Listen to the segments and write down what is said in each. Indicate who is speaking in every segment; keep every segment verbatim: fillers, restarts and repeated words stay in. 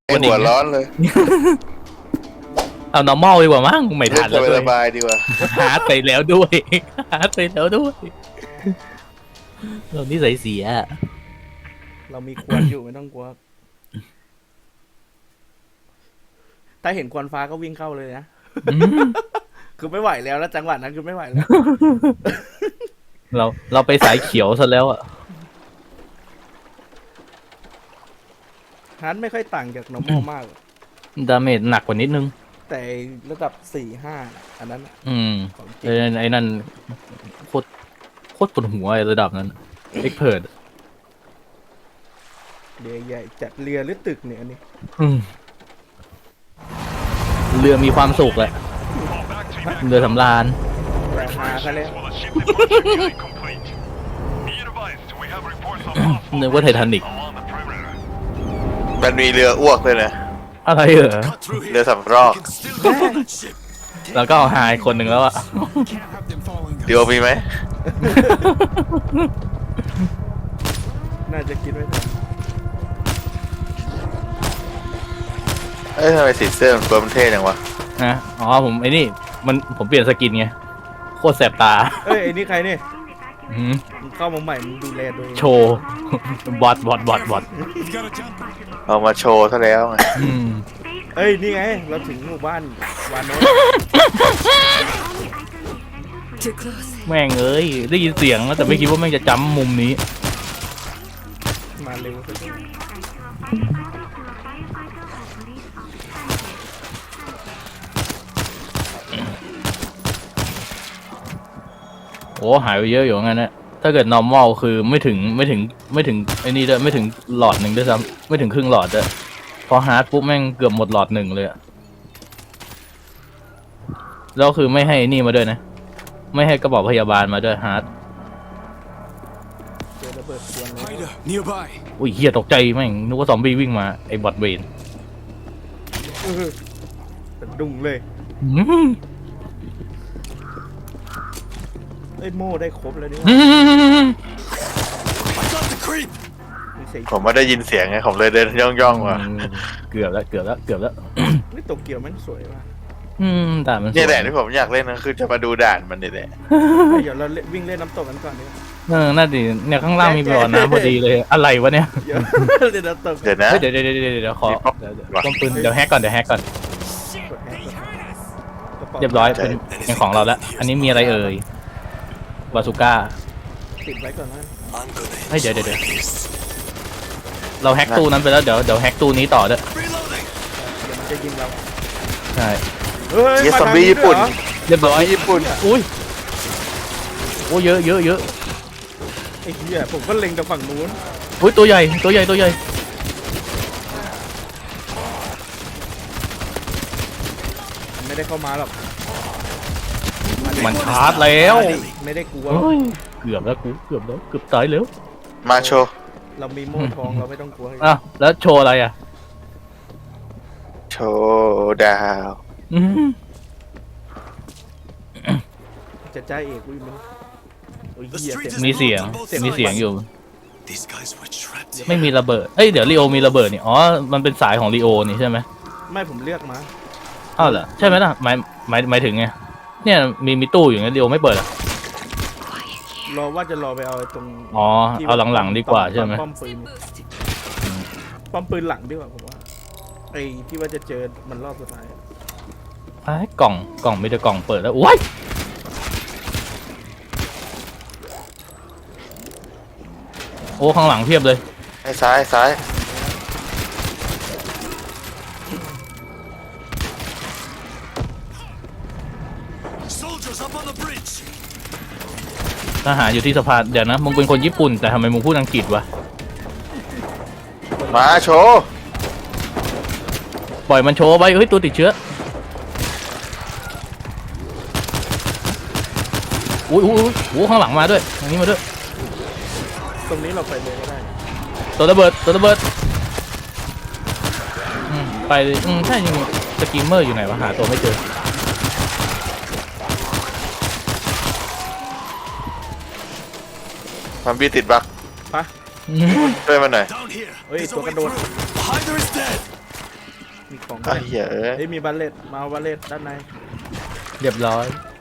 Speaker 1: ไอหัวร้อนเลย
Speaker 2: เอา normal ดีกว่ามั้งไม่ทันแล้วด้วย
Speaker 1: สบายดีกว่า
Speaker 2: หาไปแล้วด้วยหาไปแล้วด้วยเรานี่ใส่เสีย
Speaker 3: เรามีควันอยู่ไม่ต้องกลัวถ้าเห็นควันฟ้าก็วิ่งเข้าเลยนะคือไม่ไหวแล้วแล้วจังหวะนั้นคือไม่ไหวแล้ว
Speaker 2: เราเราไปสายเขียวซะแล้วอ่ะ
Speaker 3: ฮาร์ดไม่ค่อยต่างจาก normal มาก
Speaker 2: ดาเมจหนักกว่านิดนึง
Speaker 3: แต่ระดับสี่ห้าอันนั้น
Speaker 2: อืมไอ้ไอ้นั่นโคตรโคตรปวดหัวไอ้ระดับนั้นเอ็กเพิร์ด
Speaker 3: เรือใหญ่จัดเรือหรือตึกเนี่ยอันนี้
Speaker 2: เรือมีความสุขแหละเรือสำราญ
Speaker 3: แรงมาซะแล้ว
Speaker 2: นึกว่าไททานิก
Speaker 1: มันมีเรืออ้วกเลยนะ
Speaker 2: อะไรเหรอ
Speaker 1: เรือสำรอก
Speaker 2: แล้วก็เอาหายคนหนึ่งแล้วอะ
Speaker 1: เดี๋ยวมีไหม
Speaker 3: น่าจะคิดไว้ทัน
Speaker 1: เอ้ยทำไมสีเสื้อมันเฟิร์มเท่จังวะ
Speaker 2: นะอ๋อผมไอ้นี่มันผมเปลี่ยนสกินไงโคตรแสบตา
Speaker 3: เอ้ยไอ้นี่ใครเนี่ยเข้ามาใหม่มันดูแลตัวเอง
Speaker 2: โชว์บอทบอทบอทบอท
Speaker 1: เอามาโชว์ซะแล้วไง
Speaker 3: เอ้ยนี่ไงเราถึงหมู่บ้านวานโน
Speaker 2: แม่งเอ้ยได้ยินเสียงแล้วแต่ไม่คิดว่าแม่งจะจำมุมนี้
Speaker 3: มาเร็ว
Speaker 2: โอ้หายไปเยอะอยู่งั้นนะถ้าเกิด normal คือไม่ถึงไม่ถึงไม่ถึงไอ้นี่ด้วยไม่ถึงหลอดหนึ่งด้วยซ้ำไม่ถึงครึ่งหลอดด้วยพอฮาร์ดปุ๊บแม่งเกือบหมดหลอดหนึ่งเลยอะแล้วคือไม่ให้นี่มาด้วยนะไม่ให้กระบอกพยาบาลมาด้วยฮาร์ด
Speaker 3: เจอระเบิดควัน
Speaker 2: เลยอุ้ยเฮียตกใจแม่งนึกว่าซอมบี้วิ่งมาไอ้บอทเวน
Speaker 3: เป็นดุ้งเลยไอ้โม่ได้ครบแล้วนี่
Speaker 1: ผมไม่ได้ยินเสียงไงผมเลยเดินย่องย่องว่ะ
Speaker 2: เกือบแล้วเกือบแล้วเกือบแล้ว
Speaker 3: นี่โตเกียวมันสวยมาก
Speaker 2: อืมด่านมัน
Speaker 1: นี่แหละที่ผมอยากเล่นนะคือจะมาดูด่านมันนี่แหละ
Speaker 3: เดี๋ยวเราวิ่งเล่นน้ำตกกันก่อนนี่
Speaker 2: เออน่าดีเนี่ยข้างล่างมีบ่อน้ำพอดีเลยอะไรวะเนี่ย
Speaker 3: เดี๋ยวน้ำตก
Speaker 1: เดี๋ยวนะ
Speaker 2: เดี๋ยวเดี๋ยวเดี๋ยวเดี๋ยวขอป้อมปืนเดี๋ยวแฮกก่อนเดี๋ยวแฮกก่อนเรียบร้อยเป็นของเราแล้วอันนี้มีอะไรเอ่ยบาซูก้า
Speaker 3: ติดไว้ก่อนนะ
Speaker 2: เดี๋ยวเดี๋ยวเดี๋ยวเราแฮกตู้นั้นไปแล้วเดี๋ยวเดี๋ยวแฮกตู้นี้ต่อด้วย
Speaker 3: เดี๋ยวมันจะยิงเรา
Speaker 2: ใช่
Speaker 3: เฮ้ย
Speaker 1: ซอมบี้ญี่ปุ่น
Speaker 2: เรียบร้อย
Speaker 1: ญี่ปุ่น
Speaker 2: อุ้ยโอ้เยอะเยอะเยอะ
Speaker 3: ไอ้เหี้ยผมก็เล็งจากฝั่งนู้น
Speaker 2: อุ้ยตัวใหญ่ตัวใหญ่ตัวใหญ่
Speaker 3: ไม่ได้เข้ามาหรอก
Speaker 2: มันชาร์จแล้ว
Speaker 3: ไม่ได้กลัว
Speaker 2: เกือบแล้วกูเกือบแล้วเกือบตายแล้ว
Speaker 1: มาโชว์
Speaker 3: เรามีโม่ทองเราไม่ต้องกลัว
Speaker 2: อ่ะแล้วโชว์อะไรอ่ะ
Speaker 1: โชว์ดาว
Speaker 3: จะใจเอกวิ่งมั้
Speaker 2: ยมีเสียงมีเสียงอยู่ไม่มีระเบิดเอ้ยเดี๋ยวลีโอมีระเบิดนี่อ๋อมันเป็นสายของลีโอนี่ใช่ไหม
Speaker 3: ไม่ผมเลือกมา
Speaker 2: อ้าวเหรอใช่ไหมล่ะหมายหมายหมายถึงไงเนี่ยมีมีตู้อยู่งั้นลีโอไม่เปิดอ่ะ
Speaker 3: รอว่าจะรอไปเอาตรง
Speaker 2: อ๋อเอาหลังๆดีกว่าใช่ไหม
Speaker 3: ป้อมปืนป้อมปืนหลังดีกว่าผมว่าไอ้ที่ว่าจะเจอมันรอบสุดท้าย
Speaker 2: ไอ้กล่องกล่องมีแต่กล่องเปิดแล้วว้ายโอ้ข้างหลังเพียบเลย
Speaker 1: ไอ้ซ้ายซ้าย
Speaker 2: ทหารอยู่ที่สะพานเดี๋ยวนะมึงเป็นคนญี่ปุ่นแต่ทำไมมึงพูดอังกฤษวะ
Speaker 1: มาโชว์
Speaker 2: ปล่อยมันโชว์ไปเฮ้ยตัวติดเชื้ออุ้ยอุ้ยโอ้ข้างหลังมาด้วยทางนี้มาด้วย
Speaker 3: ตรงนี้เราไปเลยก็ได้
Speaker 2: ตัวระเบิดตัวระเบิดอืมไปอืมใช่จริงสกีมเมอร์อยู่ไหนวะหาตัวไม่เจอ
Speaker 1: ซอมบี้ติดบั๊ก
Speaker 3: ปะ
Speaker 1: ช่วยมันหน่อย
Speaker 3: เฮ้ยตัวกระโดดมีของ
Speaker 1: ไอ้เหี้ยเอ้ย
Speaker 3: เฮ้ยมีบัลเลตมาเอาบัลเลตด้านใน
Speaker 2: เรียบร้อย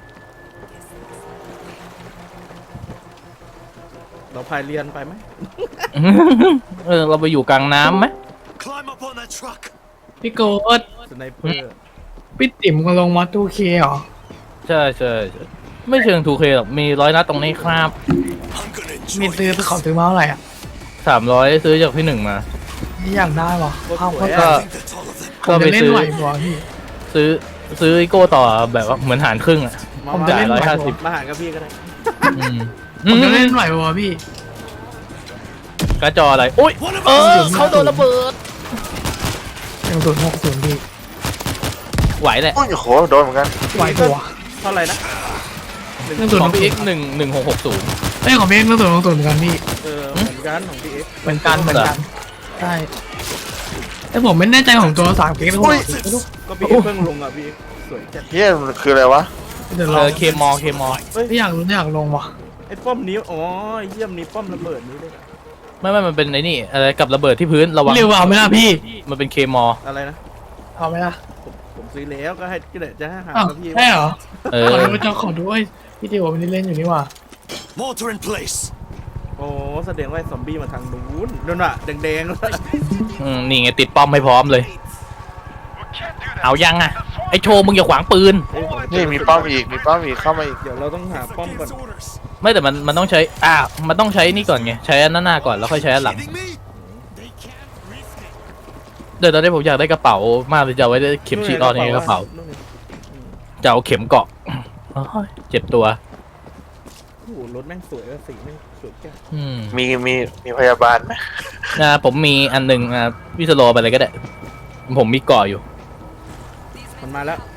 Speaker 3: เราพายเรียนไปไหม
Speaker 2: เออเราไปอยู่กลางน้ำไหม
Speaker 4: Climb up on that truck.
Speaker 5: พี่โกด
Speaker 3: สไนเปอร์
Speaker 5: พี่ติ๋มก็ลงมอตูเคเหรอ
Speaker 2: ใช่ใช่ใช่ไม่เชิง ทู เค หรอกมีร้อยนัดตรงนี้ครับ
Speaker 4: I'm gonna
Speaker 5: มี
Speaker 4: enjoy
Speaker 5: ซื้อ
Speaker 4: this.
Speaker 5: ไปขอซื้อมาเท่าไหร่อ่ะ
Speaker 2: สามร้อยซื้อจากพี่หนึ่งมา
Speaker 5: ไม่อยากได้หรอเข้า
Speaker 3: สวย
Speaker 5: ก็
Speaker 2: ก็
Speaker 3: อะ
Speaker 4: I think that's all of them.
Speaker 5: ผ
Speaker 2: ก็
Speaker 5: ม
Speaker 2: ไป
Speaker 5: จะเล่น
Speaker 2: ซื้อ
Speaker 5: ไหวบ่พี่
Speaker 2: ซื้อซื้ออีโก้ต่อแบบว่าเหมือนหารครึ่งอ่ะ
Speaker 3: มา
Speaker 5: ผม
Speaker 3: มา
Speaker 5: จะเล่น
Speaker 2: ร้อย
Speaker 5: ไหว
Speaker 2: ห้า
Speaker 5: บ่
Speaker 2: สิบ
Speaker 3: มาหากับพี่ก็ได้
Speaker 2: อืม
Speaker 5: ผมจะเล่นไหวบ่พี่
Speaker 2: กระจออะไรอุ้ย
Speaker 4: One of
Speaker 2: เอ
Speaker 4: us.
Speaker 2: อเขาโดนระเบิด
Speaker 5: หนึ่งศูนย์หกศูนย์พี่
Speaker 2: ไหวแหละ
Speaker 1: โอ้ยโหโดนเหมือนกัน
Speaker 5: ไหวตัว
Speaker 3: เท่าไหร่นะ
Speaker 5: หนึ่งศูนย์
Speaker 2: ข
Speaker 5: ห
Speaker 2: อง
Speaker 5: ก
Speaker 2: พี่
Speaker 5: ศู
Speaker 2: เอ็
Speaker 5: น
Speaker 2: ก
Speaker 5: ย์
Speaker 2: หนึ่งหนึ่งหกหกศูนย์
Speaker 5: เอ้ยของพี่เอ็กซ์หนึ่งศูนย์หกศูนย์เหมือนกันพี่
Speaker 3: เออเหมือนกันของพี่เอ็กซ์
Speaker 5: เหมือนกันเหมือนกันใช่แต่ผมไม่แน่ใจของตัวสามเก๊กนะผม
Speaker 3: ก็พี่เอ็กซ์เพิ่งลงอ่ะพี่เอ็กซ์สวยจัด
Speaker 1: เฮียมันคืออะไรวะ
Speaker 5: เดี๋ยว
Speaker 2: เอ
Speaker 5: รอ
Speaker 2: อเคมอเคมอ
Speaker 5: ไม่อยากรู้อยากลงว่ะ
Speaker 3: ไอ้ป้อมนี้อ๋อไอ้เยี่ยมนี้ป้อมระเบิดนี้ด้วย
Speaker 2: ไม่ไม่มันเป็นไอ้นี่อะไรกับระเบิดที่พื้นระวัง
Speaker 5: เร็วเอาไหมล่ะพี่
Speaker 2: มันเป็นเคมอ
Speaker 3: อะไรนะ
Speaker 5: เอาไหมล่ะ
Speaker 3: ผมผมซื้อแล้วก็ให้ก็เดี๋ยวจะให้หา
Speaker 5: อ้าว
Speaker 3: กับพี่
Speaker 5: ใช่เหรอ
Speaker 2: เอ
Speaker 5: ขอ
Speaker 2: อ
Speaker 5: ดูจะขอดูเอ้ยพี่เดียวมันนี่เล่นอยู่นี่ว่ะ
Speaker 4: Mortar in place.
Speaker 3: โอ้แสดงว่าไอ้ซอมบี้มาทางนู้นนั่นน่ะแดงๆแล้ว
Speaker 2: อืมนี่ไงติดป้อมให้พร้อมเลย เอายังอ่ะไอโชว์มึงอย่าขวางปืน
Speaker 3: เฮ้ยผม
Speaker 1: นี่มีป้อมอีกมีป้อมอีกเข้ามาอีก
Speaker 3: เดี๋ยวเราต้องหาป้อมก่อน
Speaker 4: Fucking orders.
Speaker 2: ไม่แต่มันมันต้องใช้อ่ามันต้องใช้นี่ก่อนไงใช้อันหน้าๆก่อนแล้วค่อยใช้อันหลัง
Speaker 4: Kidding me? They can't risk it.
Speaker 2: เดี๋ยวตอนนี้ผมอยากได้กระเป๋ามากเลยจะเอาไว้ได้เข็มฉีดออนในกระเป๋า
Speaker 3: นู่นไง
Speaker 2: จะเอาเข็มเกาะโอ้ยเจ็บตัว
Speaker 3: โอ้โหรถแม่งสวยอะสีแม่งสวยจัง
Speaker 2: อืม
Speaker 1: มีมีมีพยาบาลไหม
Speaker 2: นะผมมีอันหนึ่งอ่ะวิสโลไปเลยก็ได้ ผมมีเกาะอยู่
Speaker 3: มันมาแล้ว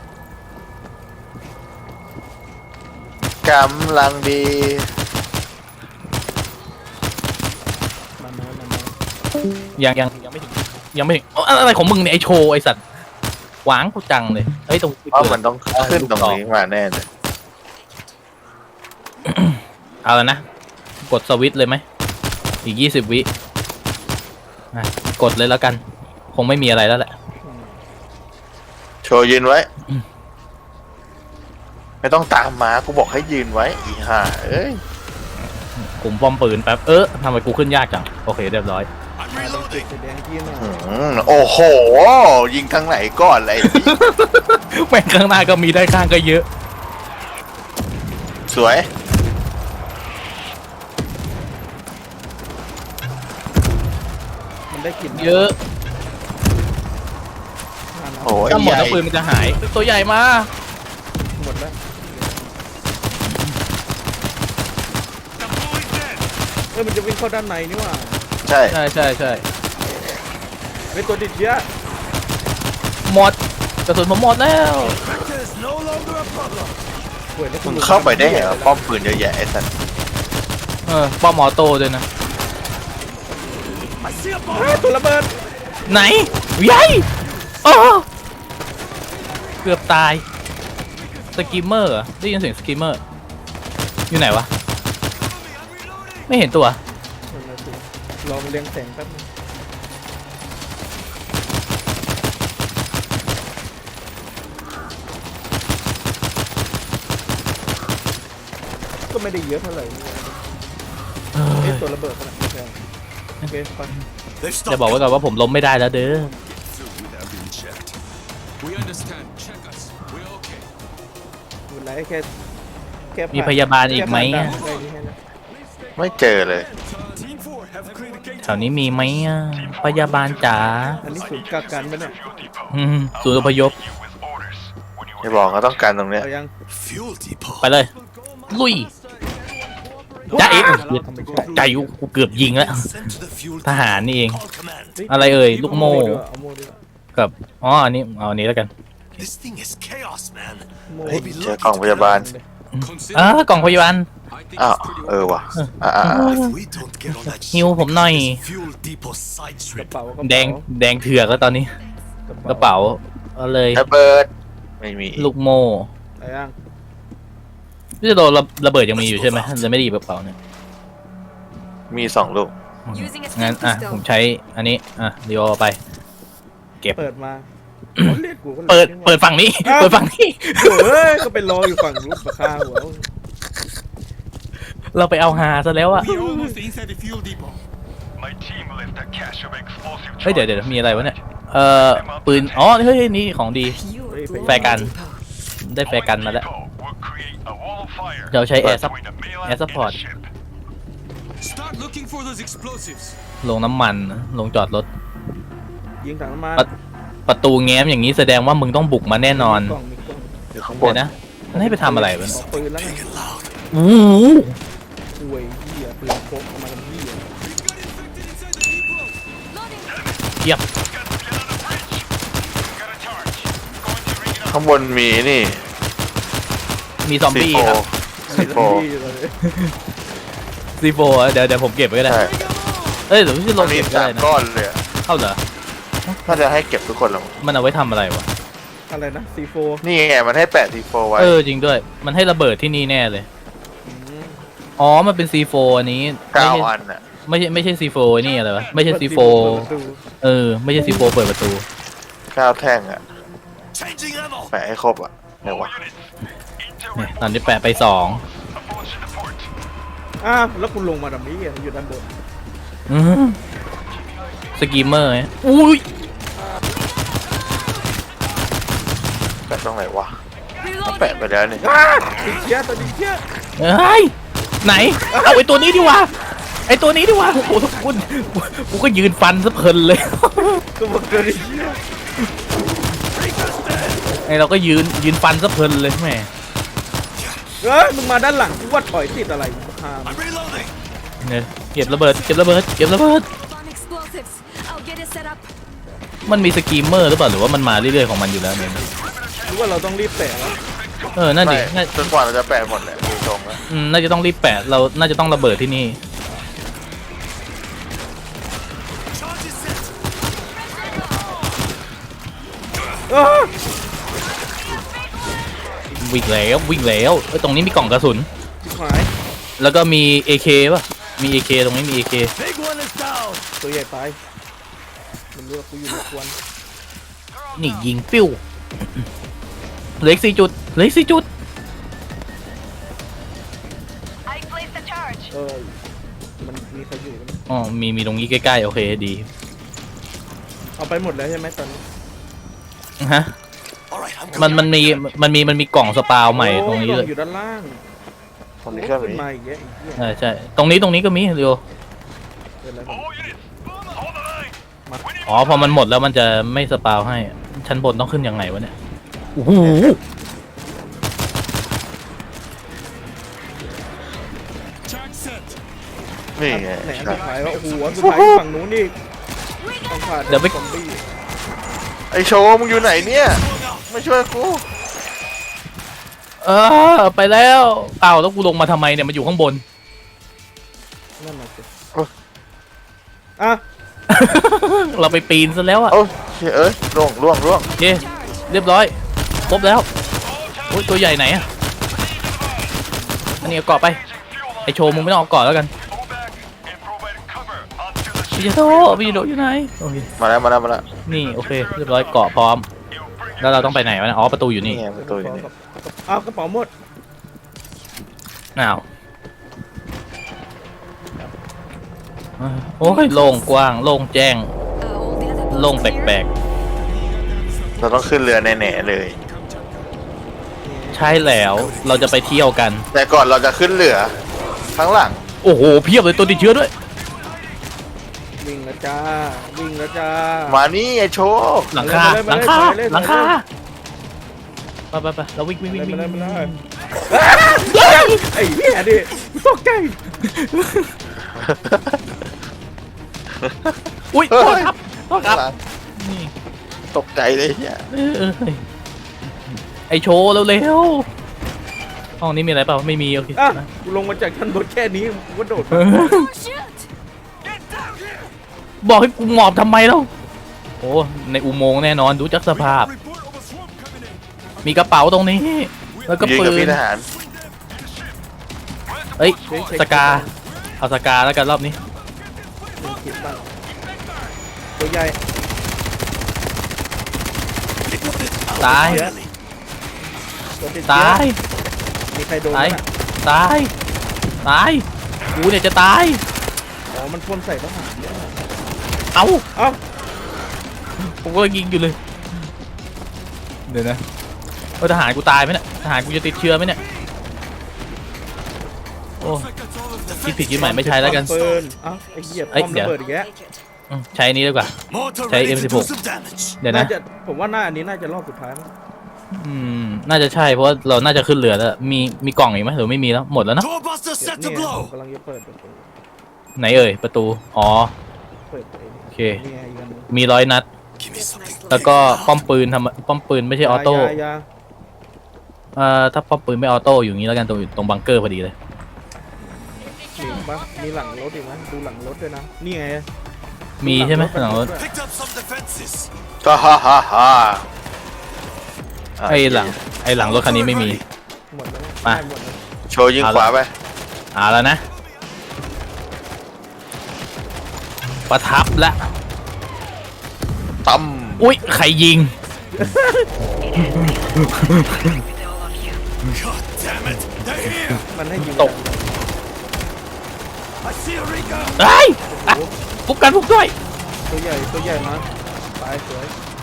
Speaker 1: กำลังดี
Speaker 3: มันมามันมา
Speaker 2: ยังยังยังไม่ถึงยังไม่ถึงอ๋ออะไรของมึงเนี่ยไอโชว์ไอสัตว์หวางกูจังเลยเฮ้ยตรง
Speaker 1: เพราะมันต้องขึ้นตรงนี้มาแน่เลย
Speaker 2: เอาแล้วนะ กดสวิตช์เลยไหมอีกยี่สิบวิอ่ะกดเลยแล้วกัน คงไม่มีอะไรแล้วแหละ
Speaker 1: โชว์ยืนไว้ ไม่ต้องตามมากูบอกให้ยืนไว้อีห่าเอ้ย
Speaker 2: กลุ่มป้อมปืนแป๊บ เออทำไมกูขึ้นยากจัง โอเคเรียบร้อย
Speaker 4: I'm
Speaker 3: ติด
Speaker 4: reloading.
Speaker 3: สีแดงที่น่ะ
Speaker 1: อืมโอ้โห ยิงทางไหนก่อนเลย
Speaker 2: แม่งข้างหน้าก็มีได้ข้างก็เยอะ
Speaker 1: สวย
Speaker 3: มันได้กลิ่น
Speaker 2: เยอะ
Speaker 3: มาแล้ว
Speaker 1: โอ้ย
Speaker 2: ถ้าหมด
Speaker 1: ใหญ่
Speaker 2: แล้วปืนมันจะหาย ตัวใหญ่มา
Speaker 3: หมดแล้ว
Speaker 4: Deploying dead.
Speaker 3: เอ้ยมันจะวิ่งเข้าด้านในนี่หว่า
Speaker 1: ใช่
Speaker 2: ใช่ใช่ใช่
Speaker 3: เป็นตัวติดเชื้อ
Speaker 2: หมดกระสุนผมหมดแล้ว
Speaker 4: Vector is no longer a problem.
Speaker 3: ป่วยแล้ว
Speaker 1: มึงเข้าไปได้ไงวะป้อมปืนเยอะแยะไอ้สัตว์
Speaker 2: เออป้อมออโต้ด้วยนะ
Speaker 4: I see a
Speaker 3: เฮ้ย
Speaker 4: bomb.
Speaker 3: ตัวระเบิด
Speaker 2: ไหนใหญ่โอ้เกือบตายสกิมเมอร์เหรอได้ยินเสียงสกิมเมอร์ อยู่ไหนวะ ไม่เห็นตัว
Speaker 3: ลองเลี้ยงแสงแป๊บนึงก็ไม่ได้เยอะเท่าไหร่เอ้ยตัวระเบิดขนาดนี้แพงโอเคไป
Speaker 4: They've
Speaker 2: จะ
Speaker 4: stopped
Speaker 2: บอกไว้ก่อนว่าผมล้มไม่ได้แล้วเด้อ
Speaker 4: through without being checked.
Speaker 6: We understand. Check us. We're okay.
Speaker 3: คุณไรแค่แค่ผ่น
Speaker 2: มีพยาบาลอีกไหม
Speaker 3: แค่ผ่าน
Speaker 2: อะ
Speaker 3: ด่านไปนี่แค่นั้น
Speaker 1: ไม่เจอเลย
Speaker 4: Team four have cleared the gate.
Speaker 2: แถวนี้มีไหมอ่ะพยาบาลจ๋า
Speaker 3: อันนี้ศูนย์กักกันปะเนี่ย
Speaker 2: อืมศูนย์อพยพ
Speaker 1: ไม่บอกก็ต้องการตรงเนี้ย
Speaker 3: เอายัง
Speaker 4: Fuel depot.
Speaker 2: ไปเลย ลุย จ้าเอ๋
Speaker 3: ทำไม่ใช่
Speaker 2: ใจกูเกือบยิงแล้ว
Speaker 4: Sent to the fuel
Speaker 2: ทหารนี่เอง
Speaker 4: call command.
Speaker 2: อะไรเอ่ยลูกโม่
Speaker 3: ดีว่าเอาโม่ดีกว่า
Speaker 2: กับอ๋ออันนี้เอาอันนี้แล้วกัน
Speaker 4: This thing is chaos, man.
Speaker 3: โม่
Speaker 1: เฮ้ย
Speaker 4: We'll be
Speaker 1: เจอ
Speaker 4: lucky
Speaker 1: กล่อง
Speaker 4: to
Speaker 1: พ
Speaker 4: get
Speaker 1: ยาบาล
Speaker 6: Consider.
Speaker 2: เออกล่องพยาบาล
Speaker 6: I think
Speaker 1: อ้าว
Speaker 6: it's pretty
Speaker 1: เออว่ะอ่าอ่าอ่า
Speaker 4: If we don't get on that
Speaker 2: ฮิวผมหน่อย
Speaker 4: this fuel depot side
Speaker 3: กระ
Speaker 4: trip.
Speaker 3: เป๋ากระเป๋า
Speaker 2: แดงแดงเถือกแล้วตอนนี้ กระเป๋าเอาเลย
Speaker 1: ระเบิดไม่มี
Speaker 2: ลูกโม่
Speaker 3: อะไรยัง
Speaker 2: พี่จะโดนระระเบิดยังมีอยู่ใช่ไหมจะไม่ไดีกระเป๋าเนี่ย
Speaker 1: มีสองลูก
Speaker 7: Using a
Speaker 2: งั้น
Speaker 7: stim
Speaker 2: อ่ะ
Speaker 7: pistol.
Speaker 2: ผมใช้อันนี้อ่ะเดียวเอาไป
Speaker 3: เปิดมาเรียกกูก็
Speaker 2: เปิดเปิดฝั่งนี้ เปิดฝั่งนี้
Speaker 3: เฮ้ยก็ไปรออยู่ฝั่งนู้นปะข้าหัว
Speaker 2: เราไปเอาฮาซะแล้วอะ
Speaker 4: We're almost inside the fuel depot.
Speaker 7: My team left a cache of explosive
Speaker 2: เฮ้ยเดี๋ยวเดี๋ยวมีอะไรวะเนี่ย เอ่อปืน อ๋อ เฮ้ยนี่ของดี แฟร์กัน ได้แฟร์กันมาแล้ว
Speaker 7: will create a wall of fire
Speaker 2: เราใช้แอร์ซับ
Speaker 7: between the mainland
Speaker 2: แอร์ซัพพอร์ต
Speaker 7: and the ship.
Speaker 6: Start looking for those explosives.
Speaker 2: ลงน้ำมัน ลงจอดรถ
Speaker 3: ยิงถังน้ำมัน
Speaker 2: ปะ ประตูแง้มอย่างนี้แสดงว่ามึงต้องบุกมาแน่นอน
Speaker 3: กล่องมีกล่อง
Speaker 1: อยู่ข้างบ
Speaker 2: เดี๋
Speaker 1: น
Speaker 2: ยวนะ มันให้ไปทำอะไรวะ
Speaker 3: ออกปืนแล้วไง
Speaker 2: โอ้โห
Speaker 3: อวยเหี้ยปืนพกเอามาทำเหี้ย
Speaker 2: เยียบ
Speaker 1: ข้างบนมีนี่
Speaker 2: มีซอม
Speaker 1: ซี
Speaker 2: บี้
Speaker 1: โฟ
Speaker 2: ครับ
Speaker 1: ซีโฟ
Speaker 2: ซีโฟเดี๋ยวเดี๋ยวผมเก็บไว้ก็ได้
Speaker 1: ใช่
Speaker 2: เอ้ยเดี๋ยวพี่
Speaker 1: ต
Speaker 2: ล
Speaker 1: รง งนี้
Speaker 2: เก็บได้
Speaker 1: สาม
Speaker 2: นะ
Speaker 1: ก้อนเลยอะ
Speaker 2: เข้าเหรอ
Speaker 1: ถ้าจะให้เก็บทุกคนหรอ
Speaker 2: มันเอาไว้ทำอะไรวะ
Speaker 3: อะไรนะซีโฟ
Speaker 1: นี่ไงมันให้แปะซีโฟไว้
Speaker 2: เออจริงด้วย มันให้ระเบิดที่นี่แน่เลย อ๋อ มันเป็น ซี โฟ อันนี้
Speaker 1: เก้า
Speaker 2: ไม่ใช่
Speaker 1: อันอ่ะ
Speaker 2: ไม่ใช่ไม่ใช่ ซี โฟ นี่อะไรวะ ไม่ใช่ ซี โฟ เออ ไม่ใช่ ซี โฟ เปิดประตู
Speaker 1: เก้าแท่งอ่ะ
Speaker 4: Changing ammo.
Speaker 1: แปะให้ครบอ่ะไหนวะ
Speaker 2: เนี่ยตอนนี้แปะไปสอง
Speaker 3: อ้าวแล้วคุณลงมาทำนี้อ่ะอยู่ด้านบน
Speaker 2: อื้อหือสกีมเมอร์ไงอุ้ย
Speaker 1: แปะตรงไหนวะเขาแปะไปแล้วนี่
Speaker 3: อ้าติดเชื้อตัวติดเชื้อ
Speaker 2: เฮ้ย ไหน เอาไอตัวนี้ดีกว่า ไอตัวนี้ดีกว่า โอ้โหทุกคนกูก็ยืนฟันซะเพลินเลย
Speaker 3: ก็บอกตัวติดเชื้อ
Speaker 2: ไอเราก็ยืนยืนฟันซะเพลินเลยแหม
Speaker 3: เอ้ยมึงมาด้านหลังกูว่าถอยติดอะไรมาคาม
Speaker 4: I'm reloading.
Speaker 2: เนี่ยเก็บระเบิด เก็บระเบิด เก็บระเบิด
Speaker 8: On explosives. I'll get it set up.
Speaker 2: มันมีสกีมเมอร์หรือเปล่า หรือว่ามันมาเรื่อยๆของมันอยู่แล้วเนี่ย
Speaker 3: หรือว่าเราต้องรีบแตะแล้ว
Speaker 2: เออ นั่นดิ
Speaker 1: ไม่
Speaker 2: น่า
Speaker 1: จนกว่าเราจะแปะหมดแหละดูตรงแล้ว
Speaker 2: อืมน่าจะต้องรีบแปะ เรา น่าจะต้องระเบิดที่นี่
Speaker 4: Charge is set.
Speaker 3: เออ
Speaker 2: วิ่งแล้ววิ่งแล้วเอ้ยตรงนี้มีกล่องกระสุน
Speaker 3: ชิบหาย
Speaker 2: แล้วก็มี เอ เค ป่ะ มี เอ เค ตรงนี้มี เอ เค
Speaker 4: Big one is down.
Speaker 3: ตัวใหญ่ตายมันรู้ว่ากูอยู่ในควน
Speaker 2: นี่ยิงปิ้วเหลืออีกสี่จุดเหลืออีกสี่จุด
Speaker 8: I placed the charge.
Speaker 3: เออมันมีใครอยู่ไหม
Speaker 2: อ๋อ มี มีตรงนี้ใกล้ๆ โอเคดี
Speaker 3: เอาไปหมดแล้วใช่ไหมตอนนี้
Speaker 2: ฮะ
Speaker 4: All right, I'm
Speaker 2: มัน
Speaker 4: coming.
Speaker 2: มันมี มันมี มันมีกล่องสปาวใหม่ตรงนี้
Speaker 3: โอ้
Speaker 2: เลย
Speaker 3: กล่อยู่ด้านล่าง
Speaker 1: ตรงนี้ก็
Speaker 3: ขึ้น
Speaker 1: มี
Speaker 3: มาอีกแล้วอีกเหี้ย
Speaker 2: ใช่ใช่ ตรงนี้ ตรงนี้ก็มีเดียว
Speaker 3: เกิดอะไรขึ้น
Speaker 7: All units, hold the line. We need
Speaker 2: อ๋อ พอมันหมดแล้วมันจะไม่สปาวให้ ชั้นบนต้องขึ้นยังไงวะเนี่ย โอ้โห
Speaker 4: Charge set.
Speaker 1: นี่ไง
Speaker 3: ไหนอัน
Speaker 1: ใช่
Speaker 3: สุดท้ายว่าโอ้โหอันสุดท้ายอยู่ฝั่งนู้นนี่ต้องผ่าน
Speaker 2: เดี๋ยวไป
Speaker 3: ซอมบี้
Speaker 1: ไอโชว์มึงอยู่ไหนเนี่ย ไม่ช่วยกู
Speaker 2: เออ ไปแล้วเอ้าแล้วกูลงมาทำไมเนี่ย มันอยู่ข้างบน
Speaker 3: นั่นน่ะสิอ่ะ
Speaker 2: เราไปปีนซะแล้วอะ
Speaker 1: เอ้าเฮ้ยเอ้ยล่วงล่วงล่วง
Speaker 2: โอเค เรียบร้อย ครบแล้วโอ้ยตัวใหญ่ไหนอะอันนี้เอาเกาะไป ไอโชว์มึงไม่ต้องเอาเกาะแล้วกัน
Speaker 7: pull back and provide cover until the
Speaker 2: พี่
Speaker 7: ship
Speaker 2: จะโตพี่จะโตอยู่ไหน โอเค
Speaker 1: มาแล้วมาแล้วมาแล้ว
Speaker 2: นี่โอเค เรียบร้อยเกาะพร้อม แล้วเราต้องไปไหนวะเนี่ยอ๋อ ประตูอยู่
Speaker 1: นี่
Speaker 2: นี่
Speaker 1: ไงประตูอยู่นี่
Speaker 3: อ้าวกระเป๋าหมด
Speaker 2: อ้าวโอ้ยโล่งกว้าง โล่งแจ้ง
Speaker 8: Uh, all the other
Speaker 2: โล่ง
Speaker 8: posts
Speaker 2: แปล
Speaker 8: clear?
Speaker 2: ก
Speaker 1: เราต้องขึ้นเรือแน่ๆเลย
Speaker 2: ๆ ใช่แล้ว เราจะไปเที่ยวกัน
Speaker 1: แต่ก่อนเราจะขึ้นเรือข้างหลัง
Speaker 2: โอ้โห เพียบเลยตัวติดเชื้อด้วย
Speaker 3: วิ่งแล้วจ้าวิ่งแล้วจ้า
Speaker 1: มานี่ไอโชว์
Speaker 2: หลังคา
Speaker 3: ไปเลย
Speaker 2: หลังคา
Speaker 3: ไปเลย
Speaker 2: หลังคา
Speaker 3: ไปเลย
Speaker 2: ไปไปไปเราวิ่งวิ่งวิ่งวิ่ง
Speaker 3: ไปเลย
Speaker 2: วิ่ง
Speaker 3: ไปเลยไอ้เหี้ยดิตกใจ
Speaker 2: อุ้ย
Speaker 1: เฮ้
Speaker 2: โทษ
Speaker 1: ย
Speaker 2: ครับโทษครับ นี่
Speaker 1: ตกใจเลยเนี่ย
Speaker 2: เออเออเฮ้ยไอโชว์เร็วๆห้องนี้มีอะไรเปล่า ไม่มีโอเค
Speaker 3: อ่ะกูลงมาจากชั้นบนแค่นี้กูก็โดด
Speaker 2: เออ
Speaker 8: Oh shoot!
Speaker 2: บอกให้กูหมอบทำไมแล้วโอ้ในอุโมงค์แน่นอนดูจากสภาพ
Speaker 6: Report of a swarm coming in.
Speaker 2: มีกระเป๋าตรงนี้ แล้วก็
Speaker 1: ยืน
Speaker 2: ปื
Speaker 1: กับ
Speaker 2: น
Speaker 1: พี่ทหาร
Speaker 2: เอ้ย สกา เอาสกาแล้วกันรอบนี้
Speaker 3: คิดบ้างตัวใหญ่
Speaker 2: ตาย
Speaker 3: ตัวติด
Speaker 2: ตาย
Speaker 3: มีใครโดน
Speaker 2: ตาย
Speaker 3: ไหม
Speaker 2: ตาย ตาย กูเนี่ยจะตาย
Speaker 3: อ๋อมันพ่นใส่ทหารเนี่ย
Speaker 2: เอ้า
Speaker 3: เอ้า
Speaker 2: ผมก็ยิงอยู่เลย เดี๋ยวนะเออทหารกูตายไหมเนี่ยทหารกูจะติดเชื้อไหมเนี่ย โอ้
Speaker 6: Looks like that's all of the
Speaker 2: คิดผิดคิดใหม่ไม่ใช้แล้วกัน
Speaker 3: ปืนเอ้าไอ้เหี้ย
Speaker 2: เอ้ย
Speaker 3: ป้อม
Speaker 2: เดี๋ยว
Speaker 3: ระเบิดอีกแล้ว
Speaker 8: Take it.
Speaker 2: อืมใช้อันนี้ดีกว่า
Speaker 4: Mortar
Speaker 2: Say
Speaker 4: ready to
Speaker 2: M
Speaker 4: do
Speaker 2: sixteen.
Speaker 4: some damage.
Speaker 2: เดี๋ยว
Speaker 3: น่า
Speaker 2: นะ
Speaker 3: จะผมว่าหน้าอันนี้น่าจะรอบสุดท้ายมั้ง
Speaker 2: อืม น่าจะใช่เพราะว่าเราน่าจะขึ้นเรือแล้ว มีมีกล่องอีกไหมหรือไม่มีแล้ว หมดแล้วเนอะ
Speaker 4: Doorbuster
Speaker 3: เดี๋ยว
Speaker 4: set
Speaker 3: นี่
Speaker 4: to
Speaker 3: ไงผม
Speaker 4: blow.
Speaker 3: กำลังจะเปิดประตู
Speaker 2: ไหนเอ่ยประตู อ๋อ
Speaker 3: เปิดไป
Speaker 2: โอเค
Speaker 3: นี่ไงอีกอันหนึง
Speaker 2: มีร้อยนัด
Speaker 4: Give me something.
Speaker 2: แล้วก็ป้อมปืนทำป้อมปืนไม่ใช่ออโต้
Speaker 3: ยายา
Speaker 2: เอ่อถ้าป้อมปืนไม่ออโต้อยู่อย่างนี้แล้วกันตรงตรงบังเกอร์พอดีเลย
Speaker 3: มีอีกปะมีหลังรถอีกไหมดูหลังรถด้วยนะนี่ไง
Speaker 2: มีใช่ไหมหลังรถ
Speaker 4: Picked up some defenses.
Speaker 1: ฮ่าฮ่าฮ่าฮ่า
Speaker 2: ไอ้หลังไอ้หลังรถคันนี้ไม่มี
Speaker 3: หมดแล้วนะ
Speaker 2: มา
Speaker 3: ได้หมดแล้ว
Speaker 1: โชว์ยิงขวาไป
Speaker 2: อ่าแล้วนะ ประทับละ
Speaker 1: ตั้ม
Speaker 2: อุ้ยใครยิง
Speaker 4: God damn it. They're here.
Speaker 3: มันให้ยิง
Speaker 2: ตก
Speaker 4: I see a Rika.
Speaker 2: เฮ้ยอ่ะปุ๊บกันปุ๊บด้วย
Speaker 3: ตัวใหญ่ตัวใหญ่มาตายสวย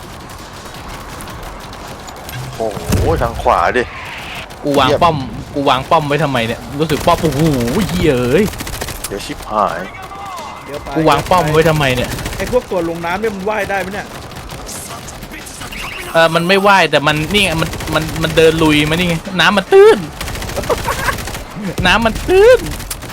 Speaker 1: โอ้โหทางขวาดิ
Speaker 2: กูวาง
Speaker 1: เยี่ยม
Speaker 2: ป้อม กูวางป้อมไว้ทำไมเนี่ย รู้สึกป้อมโอ้โหเหี้ยเอ้ย
Speaker 1: เดี๋ยวชิบหาย
Speaker 3: เดี๋ยวไป
Speaker 2: กูวางป้อมไว้ทำไมเนี่ย
Speaker 3: ไอ้พวกตัวลงน้ำเนี่ยมันว่ายได้ไหมเนี่ย
Speaker 2: เออมันไม่ว่ายแต่มันนี่ไงมันมันมันเดินลุยมานี่ไงน้ำมันตื้น น้ำมันตื้น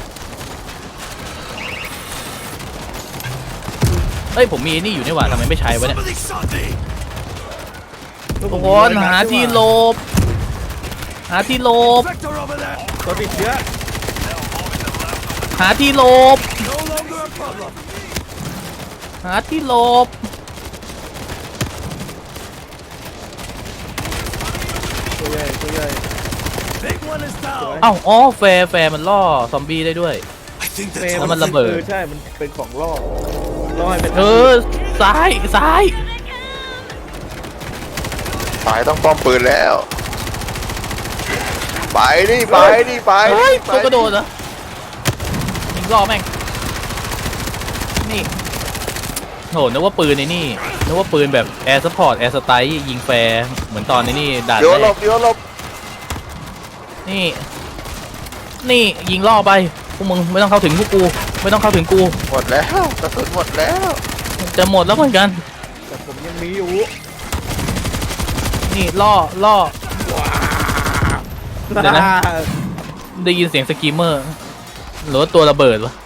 Speaker 2: เฮ้ยผมมีไอ้นี่อยู่นี่หว่าทำไมไม่ใช้วะเนี่ย
Speaker 4: Somebody shot me.
Speaker 2: ทุกคนหาที่หลบ หาที่หลบ
Speaker 4: Vector over there.
Speaker 3: ตัวติดเชื้อ
Speaker 2: หาที่หลบ
Speaker 4: No longer a problem.
Speaker 2: หาที่หลบ
Speaker 3: ตัวใหญ่ตัวใหญ่
Speaker 4: Big one is down.
Speaker 2: เอ้าอ๋อแฟร์แฟร์มันล่อซอมบี้ได้ด้วย
Speaker 4: I think
Speaker 3: เฟ
Speaker 4: that's
Speaker 2: แล้ว
Speaker 4: all.
Speaker 2: มันระเบิด
Speaker 3: ออใช่มันเป็นของล่อล่อให้เป็น
Speaker 2: เออซ้ายซ้าย
Speaker 1: สายต้องป้อมปืนแล้ว ไปดิไปดิไป
Speaker 2: เฮ้ย
Speaker 1: ไป
Speaker 2: ตัวกระโดดเหรอยิงล่อแม่ง นี่โหนึกว่าปืนไอ้นี่นึกว่าปืนแบบแอร์ซัพพอร์ตแอร์สไตล์ยิงแฟร์เหมือนตอนนี้นี่ด่าน
Speaker 1: เดี๋ยวหล
Speaker 2: แร
Speaker 1: บ
Speaker 2: ก
Speaker 1: เดี๋ยวหลบ
Speaker 2: นี่ นี่ยิงล่อไปพวกมึงไม่ต้องเข้าถึงพวกกู ไม่ต้องเข้าถึงกู
Speaker 1: หมดแล้วกระสุนหมดแล้ว
Speaker 2: จะหมดแล้วเหมือนกัน
Speaker 3: แต่ผมยังมีอยู่
Speaker 2: นี่ล่อล่อ เดี๋ยวนะ
Speaker 3: อ่า
Speaker 2: ได้ยินเสียงสกรีมเมอร์หรือว่าตัวระเบิดวะ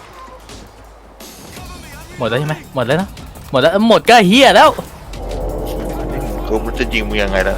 Speaker 2: หมดแล้วใช่ไหมหมดแล้วนะหมดแล้วเอ้ยหมดก็เฮียแล้ว
Speaker 1: กูมันจะยิงมึงยังไงล่ะ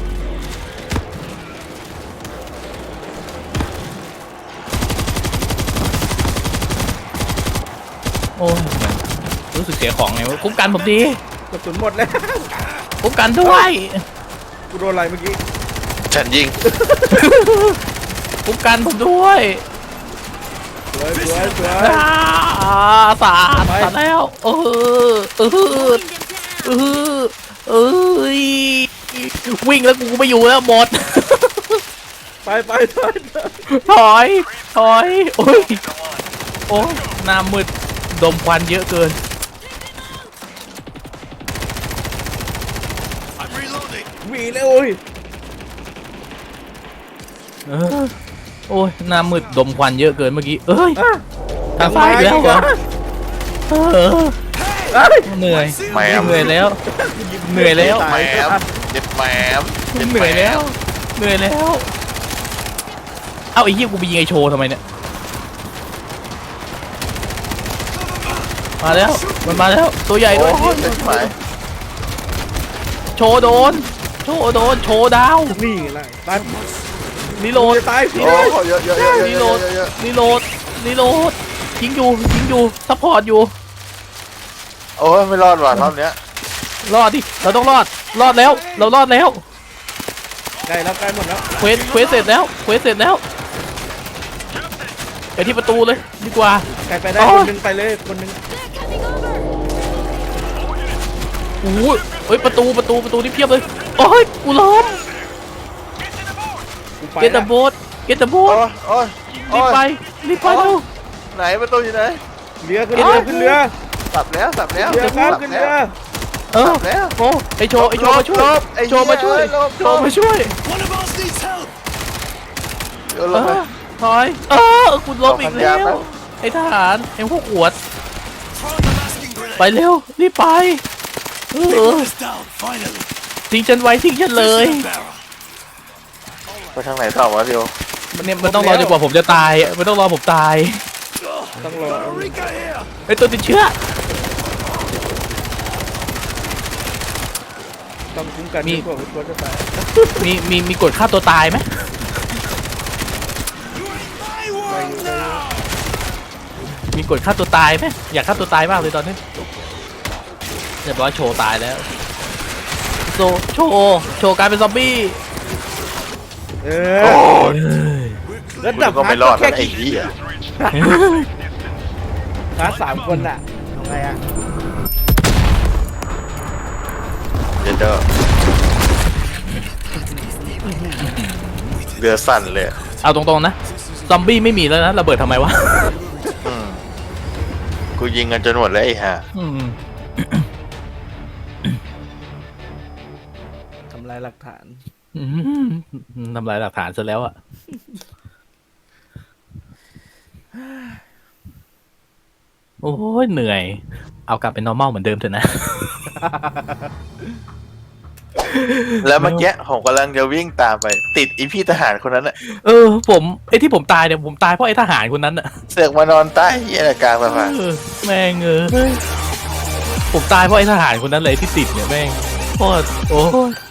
Speaker 2: โอ้ยรู้สึกเสียของไงวะคุ้มกันผมดี
Speaker 3: กระสุนหมดแล้ว
Speaker 2: คุ้มกันด้วย
Speaker 3: กูโดนอะไรเมื่อกี้
Speaker 1: ฉันยิง
Speaker 2: คุ้มกันผมด้วย
Speaker 3: สวยสวยสวย
Speaker 2: อ่าสาด
Speaker 3: ไป
Speaker 2: สาดแล้วเออเออ
Speaker 8: Pulling them
Speaker 2: เอ
Speaker 8: down.
Speaker 2: อเอ้ยวิ่งแล้วกูไม่อยู่แล้วหมด
Speaker 3: ไปไปไปไป
Speaker 2: ถอยถอยโอ้ยโอ้ยหน้ามืดดมควันเยอะเกิน
Speaker 4: I'm reloading.
Speaker 3: หวีเลยโอ้ย
Speaker 2: เออโอ้ยหน้ามืดดมควันเยอะเกินเมื่อกี้เอ้ย
Speaker 3: อ่ะ
Speaker 2: ทางซ้ายอีกแล้วเหรอเออ
Speaker 3: เอ้ย
Speaker 2: เหนื่อย
Speaker 1: แหมม
Speaker 2: เหนื่อยแล้ว เหนื่อยแล้ว
Speaker 1: แหมมเจ็บแหมมเจ็บ
Speaker 2: เห
Speaker 1: แหม
Speaker 2: นื่อยแล้ว
Speaker 1: ม
Speaker 2: เหนื่อยแล้ว เอ้าไอ้เหี้ยกูไปยิงไอ้โชว์ทำไมเนี่ย มาแล้ว มันมาแล้ว ตัวใหญ่
Speaker 1: โอ้
Speaker 2: ด้วย
Speaker 1: ยจะชิบหาย
Speaker 2: โชว์โดน โชว์โดน โชว์ดาว
Speaker 3: นี่แหละตาย
Speaker 2: รีโหลด
Speaker 3: จะตายพี่
Speaker 1: โอ้
Speaker 3: เลย
Speaker 1: เยอะเยอะเยอะเยอะ
Speaker 2: รี
Speaker 1: เย
Speaker 2: โหล
Speaker 1: อะ
Speaker 2: ด
Speaker 1: เยอะ
Speaker 2: รีโหลด รีโหลด ยิงอยู่ ยิงอยู่ ซัพพอร์ตอยู่
Speaker 1: โอ้ยไม่รอดว่ะรอบเนี้ย
Speaker 2: รอดดิ เราต้องรอด รอดแล้ว เรารอดแล้ว
Speaker 3: ใกล้แล้วใกล้หมดแล้ว
Speaker 2: เควส เควสเสร็จแล้ว เควสเสร็จแล้ว ไปที่ประตูเลยดีกว่า
Speaker 3: ใกล้ไปได้
Speaker 2: อ๋อ
Speaker 3: คนหนึงไปเลยคนหนึง
Speaker 8: They're coming over.
Speaker 2: โอ้โหเฮ้ยประตูประตูประตูนี่เพียบเลยโอ้ยกูล้ม
Speaker 3: กูไป
Speaker 2: เกตเตอ
Speaker 3: ละ
Speaker 2: ร์โบ๊ทเกตเตอร์โบ๊
Speaker 1: โอ้
Speaker 2: ท
Speaker 1: ยโอ้ย
Speaker 2: รีบไปรีบไปเร็ว
Speaker 1: ไหนประตูอยู่ไหน
Speaker 3: เรือขึ้นเรือขึ้นเรือ
Speaker 1: สับแล้วสับแล้ว
Speaker 3: เรือครับ
Speaker 1: สับ
Speaker 3: ขึ้น
Speaker 1: แล้
Speaker 3: เรือ
Speaker 1: ว
Speaker 2: เออ
Speaker 1: สับแล้ว
Speaker 2: โอ้ไอโชว์ไอโชว์มาช่วย
Speaker 1: ลบไอ้
Speaker 2: โชว์มาช่วย
Speaker 1: เหี้ยลบ
Speaker 2: โชว์มาช่วย
Speaker 4: One of us needs help.
Speaker 1: เดี๋ยว
Speaker 2: เอ
Speaker 1: ลงไป
Speaker 2: อถอยเออคุณล้มอีกแล้
Speaker 1: ขอพันยาแป๊
Speaker 2: ว
Speaker 1: บ
Speaker 2: ไอทหารไอพวกขวด
Speaker 4: Throwing the masking grenade.
Speaker 2: ไปเร็วรีบไปเอ
Speaker 4: Big
Speaker 2: อ
Speaker 4: one is down. Finally.
Speaker 2: ทิ้งฉันไว้ทิ้งฉันเลย
Speaker 4: This is the barrel.
Speaker 1: ไปทางไหนต่อวะเดียว
Speaker 2: มันเนี่ยมันต้องรอจนกว่าผมจะตายมันต้องรอผมตาย
Speaker 3: ต้องรอ
Speaker 4: Eureka here.
Speaker 2: ไอตัวติดเชื้อ
Speaker 3: ต้องคุ้มกัน
Speaker 2: มี
Speaker 3: ดีกว่าควรจะตาย
Speaker 2: มีมีมีกดฆ่าตัวตายไหม
Speaker 4: My world now.
Speaker 2: มีกดฆ่าตัวตายไหมอยากฆ่าตัวตายมากเลยตอนนี้เรียบร้อยโชว์ตายแล้วโซโชว์โชว์กลายเป็นซอมบี้
Speaker 3: เอ
Speaker 1: โอ้
Speaker 3: อย แล้ว
Speaker 1: กู
Speaker 3: ดับ
Speaker 1: ก็ไม่รอด
Speaker 3: แค่
Speaker 1: แล้วไอ้
Speaker 3: กี่
Speaker 1: เหี้ย
Speaker 3: พาร์ทสามคนน่ะทำไงอ่ะ
Speaker 1: เดี๋ยวเด้อเรือสั่นเลย
Speaker 2: เอาตรงๆนะซอมบี้ไม่มีแล้วนะระเบิดทำไมวะ
Speaker 1: อืมกูยิงกันจนหมดแล้วไอ้ห่า
Speaker 2: อืม
Speaker 3: ทำลายหลักฐาน
Speaker 2: อืมทำลายหลักฐานซะแล้วอะโอ้ยเหนื่อย เอากลับเป็น normal เหมือนเดิมเถอะนะ
Speaker 1: แล้วเมื่อกี้ผมกำลังจะวิ่งตามไป ติดอีพี่ทหารคนนั้นน่ะ
Speaker 2: เออ ผมไอ้ที่ผมตายเนี่ยผมตายเพราะไอ้ทหารคนนั้นอะ
Speaker 1: เสือกมานอนใต้เหี้ยกลางสะพาน
Speaker 2: เออแม่งเออผมตายเพราะไอ้ทหารคนนั้นเลยที่ติดเนี่ยแม่งโคตรโอ้ย